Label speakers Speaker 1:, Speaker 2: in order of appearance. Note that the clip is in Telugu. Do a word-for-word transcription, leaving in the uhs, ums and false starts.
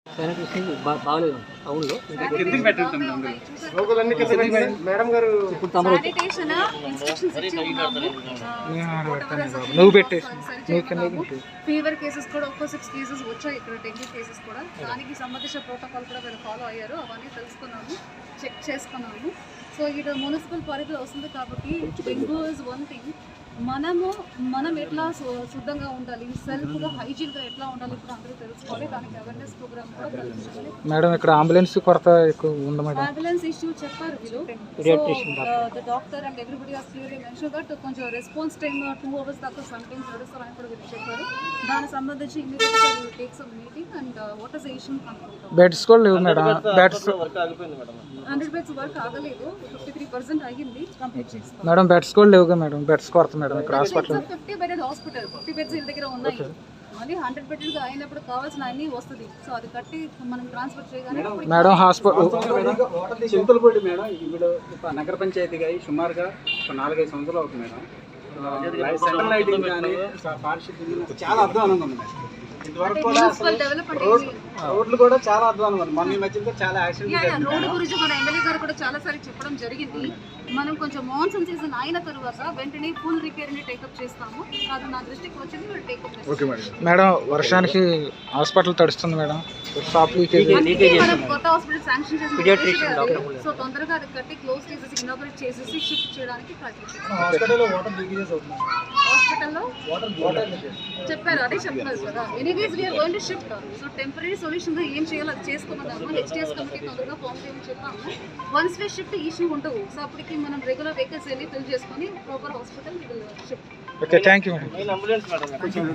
Speaker 1: బాగలేదు టౌన్లో
Speaker 2: మేడం గారు
Speaker 3: నువ్వు పెట్టే
Speaker 4: ఫీవర్ కేసెస్ కూడా ఒక్కో సిక్స్ కేసెస్ వచ్చాయి ఇక్కడ, డెంగ్యూ కేసెస్ కూడా. దానికి సంబంధించిన ప్రోటోకాల్ కూడా వీళ్ళు ఫాలో అయ్యారు, అవన్నీ తెలుసుకున్నాము, చెక్ చేసుకున్నాము. సో ఇది మున్సిపల్ పరిధిలో వస్తుంది కాబట్టి డెంగ్యూ ఇస్ వన్ థింగ్. మనము మనం ఎట్లా శుద్ధంగా ఉండాలి, సెల్ఫ్గా హైజీన్గా ఎట్లా ఉండాలి ఇప్పుడు అందరూ తెలుసుకోవాలి. దానికి అవేర్నెస్ ప్రోగ్రామ్ కూడా తెలుసుకోవాలి.
Speaker 3: మేడం ఇక్కడ అంబులెన్స్ కొరత ఎక్కువ ఉంది మేడం.
Speaker 4: అంబులెన్స్ ఇష్యూ చెప్పారు వీళ్ళు. The doctor and everybody has clearly mention that కొంచెం రెస్పాన్స్ టైమ్ టూ అవర్స్ దాకా సమ్ టైమ్స్ నడుస్తారని కూడా వీళ్ళు చెప్పారు. దానికి సంబంధించి ఇమీడియట్గా వీళ్ళు take some meeting and what is the issue కనుక్కుంటాం.
Speaker 3: బెడ్స్ కూడా లేవు మేడం. బెడ్స్
Speaker 4: హండ్రెడ్ బెడ్స్ వర్క్ ఆగలేదు, ఫిఫ్టీ త్రీ పర్సెంట్ అయ్యింది, కంప్లీట్ చేస్తాం.
Speaker 3: మేడం బెడ్స్ కూడా లేవుగా మేడం. బెడ్స్ కొరత మేడం ఇక్కడ hospital.
Speaker 4: Fifty bedded hospital, fifty beds వీళ్ళ దగ్గర ఉన్నాయి. మళ్ళీ హండ్రెడ్ బెడ్గా అయినప్పుడు కావాల్సిన అన్ని వస్తుంది. సో అది కట్టి మనం ట్రాన్స్ఫర్ చేయగానే
Speaker 3: మేడం హాస్పిటల్
Speaker 1: చింతలపూడి మేడం ఇప్పుడు నగర పంచాయతీగా అయ్యి సుమారుగా ఒక నాలుగైదు సంవత్సరాలు అవుతుంది మేడం. సెంట్రల్ లైటింగ్ కానీ పారిశుద్ధ్యం చాలా అధ్వానంగా ఉంది మేడం. ఇంతవరకు కూడా రోడ్లు కూడా చాలా అధ్వానంగా ఉంది. మన ఈ మధ్యలో చాలా యాక్సిడెంట్.
Speaker 4: రోడ్డు గురించి మన ఎమ్మెల్యే గారు కూడా చాలా సార్లు చెప్పడం జరిగింది. మనం కొంచెం మాన్సూన్ సీజన్ అయిన తర్వాత వెంటనే ఫుల్ రిపేర్ ని టేకప్ చేస్తాము. అది నా దృష్టికి వచ్చింది, మీరు టేకప్ చేస్తాం.
Speaker 3: మేడం వర్షానికి హాస్పిటల్ తడుస్తుంది మేడం.
Speaker 4: మనం కొత్త హాస్పిటల్ శాంక్షన్ చేసి సో తొందరగా అది కట్టి క్లోజ్ చేసేసి ఇనాగరేట్ చేసేసి షిఫ్ట్ చేయడానికి ప్రయత్నిస్తాం.
Speaker 2: హాస్పిటల్లో
Speaker 4: చెప్పారు, అదే చెప్తున్నారు కదా. Anyways we're going to shift. So temporary solution గా ఏం చేయాలో అది చేసుకోమన్నాము. హెచ్డిఎస్ కమిటీ తొందరగా ఫామ్ చేయమని చెప్పాము. వన్స్ వే షిఫ్ట్ ఇష్యూ ఉండవు. సో అప్పటికి మనం రెగ్యులర్ వెహికల్స్ వెళ్ళి ఫిల్ చేసుకొని proper hospital shift.
Speaker 3: Okay, thank you madam.